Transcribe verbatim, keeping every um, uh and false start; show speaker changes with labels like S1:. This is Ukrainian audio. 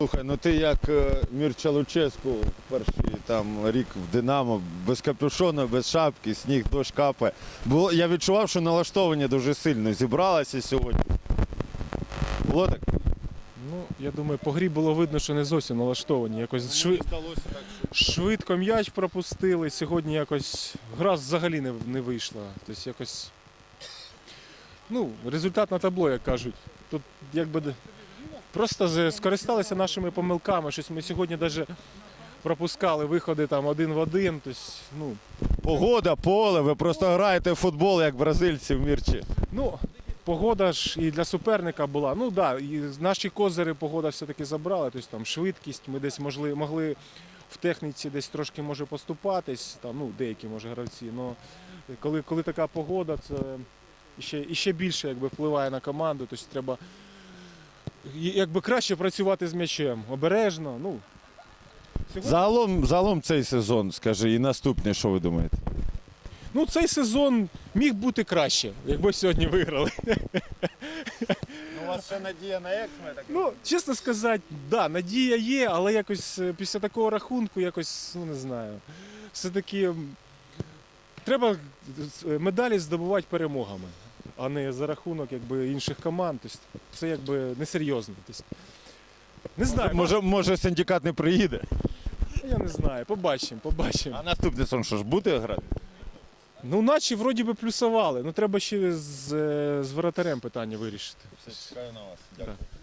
S1: Слухай, ну ти як Мірча Луческу перший там рік в Динамо, без капюшона, без шапки, сніг, дощ капає. Було, я відчував, що налаштовані дуже сильно зібралися сьогодні. Було так?
S2: Ну, я думаю, по грі було видно, що не зовсім налаштовані. Якось шви...
S1: здалося так, що...
S2: швидко м'яч пропустили. Сьогодні якось гра взагалі не, не вийшла. Тобто якось. Ну, результат на табло, як кажуть. Тут якби просто з- скористалися нашими помилками. Щось ми сьогодні навіть пропускали виходи там один в один. Тобто, ну,
S1: Погода, поле, ви просто граєте в футбол, як бразильці в Мірчі.
S2: ну, погода ж і для суперника була. Ну так, да, і наші козири погода все-таки забрала. Тобто там швидкість, ми десь могли, могли в техніці десь трошки може поступатись, там, ну, деякі може гравці. Но коли, коли така погода, це ще, і ще більше якби, впливає на команду. Тобто треба якби, краще працювати з м'ячем, обережно. Ну, сьогодні...
S1: Загалом, загалом цей сезон, скажи, і наступний, що ви думаєте?
S2: Ну, цей сезон міг бути краще, якби сьогодні виграли.
S1: Ну, у вас ще надія на ексме? Так...
S2: Ну, чесно сказати, да, надія є, але якось е, після такого рахунку, якось, ну не знаю, все-таки м, треба е, медалі здобувати перемогами, а не за рахунок якби, інших команд. Тобто, це якби несерйозно. Тобто, не знаю,
S1: Може, може синдикат не приїде?
S2: я не знаю, побачимо, побачимо.
S1: А наступний сон що ж, буде грати?
S2: Ну, наче вроді би плюсували, ну треба ще з, е, з воротарем питання вирішити.
S1: Все, чекаю на вас.
S2: Дякую.